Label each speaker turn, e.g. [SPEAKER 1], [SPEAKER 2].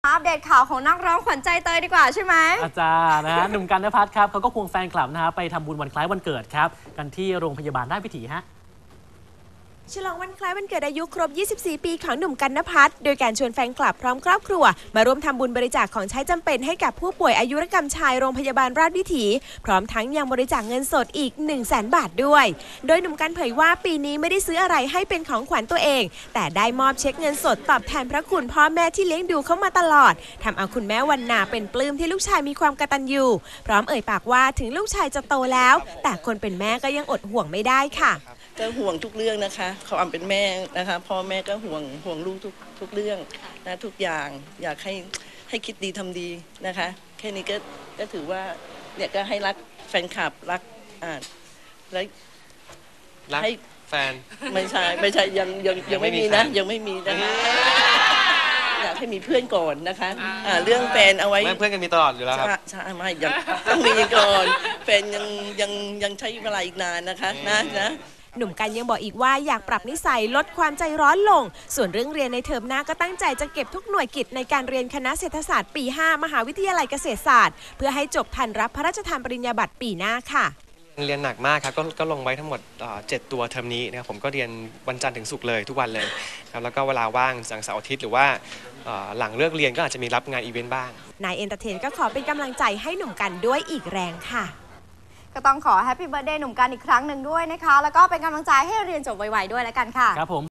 [SPEAKER 1] อัปเดตข่าวของนักร้องขวัญใจเตยดีกว่าใช่ไหม
[SPEAKER 2] อาจารย์นะฮะหนุ่มกันณภัทรครับเขาก็ควงแฟนคลับนะฮะไปทำบุญวันคล้ายวันเกิดครับกันที่โรงพยาบาลราชวิถีฮะ
[SPEAKER 3] ฉลองวันคล้ายวันเกิดอายุครบ 24 ปีของหนุ่มกันณภัทรโดยการชวนแฟนคลับพร้อมครอบครัวมาร่วมทำบุญบริจาคของใช้จำเป็นให้กับผู้ป่วยอายุรกรรมชายโรงพยาบาลราชวิถีพร้อมทั้งยังบริจาคเงินสดอีก 100,000 บาทด้วยโดยหนุ่มกันเผยว่าปีนี้ไม่ได้ซื้ออะไรให้เป็นของขวัญตัวเองแต่ได้มอบเช็คเงินสดตอบแทนพระคุณพ่อแม่ที่เลี้ยงดูเขามาตลอดทำเอาคุณแม่วรรณาเป็นปลื้มที่ลูกชายมีความกตัญญูพร้อมเอ่ยปากว่าถึงลูกชายจะโตแล้วแต่คนเป็นแม่ก็ยังอดห่วงไม่ได้ค่ะ
[SPEAKER 4] ก็ห่วงทุกเรื่องนะคะความเป็นแม่นะคะพ่อแม่ก็ห่วงลูกทุกเรื่องนะทุกอย่างอยากให้คิดดีทำดีนะคะแค่นี้ก็ถือว่าเนี่ยก็ให้รักแฟนคลับรักและให้
[SPEAKER 5] แฟน
[SPEAKER 4] ไม่ใช่ยังไม่มีนะยังไม่มีนะคะอยากให้มีเพื่อนก่อนนะคะเรื่องแฟนเอาไว้
[SPEAKER 5] เพื่อนกันมีตลอดอยู่แล้วครับ
[SPEAKER 4] ใช่ไม่ยังต้องมีก่อนแฟนยังใช้เวลาอีกนานนะคะนะ
[SPEAKER 3] หนุ่มกันยังบอกอีกว่าอยากปรับนิสัยลดความใจร้อนลงส่วนเรื่องเรียนในเทอมหน้าก็ตั้งใจจะเก็บทุกหน่วยกิจในการเรียนคณะเศรษฐศาสตร์ปี 5 มหาวิทยาลัยเกษตรศาสตร์เพื่อให้จบทันรับพระราชทานปริญญาบัตรปีหน้าค่ะ
[SPEAKER 5] เรียนหนักมากครับก็ลงไว้ทั้งหมด7 ตัวเทอมนี้นะครับผมก็เรียนวันจันทร์ถึงศุกร์เลยทุกวันเลยครับแล้วก็เวลาว่างเสาร์อาทิตย์หรือว่าหลังเลิกเรียนก็อาจจะมีรับงานอีเวนต์บ้าง
[SPEAKER 3] นายเอนเตอร์เทนก็ขอเป็นกำลังใจให้หนุ่มกันด้วยอีกแรงค่ะ
[SPEAKER 1] ก็ต้องขอแฮปปี้เบิร์ธเดย์หนุ่มกันอีกครั้งหนึ่งด้วยนะคะแล้วก็เป็นกำลังใจให้เรียนจบไวๆด้วยแล้วกันค่ะ
[SPEAKER 2] ครับผม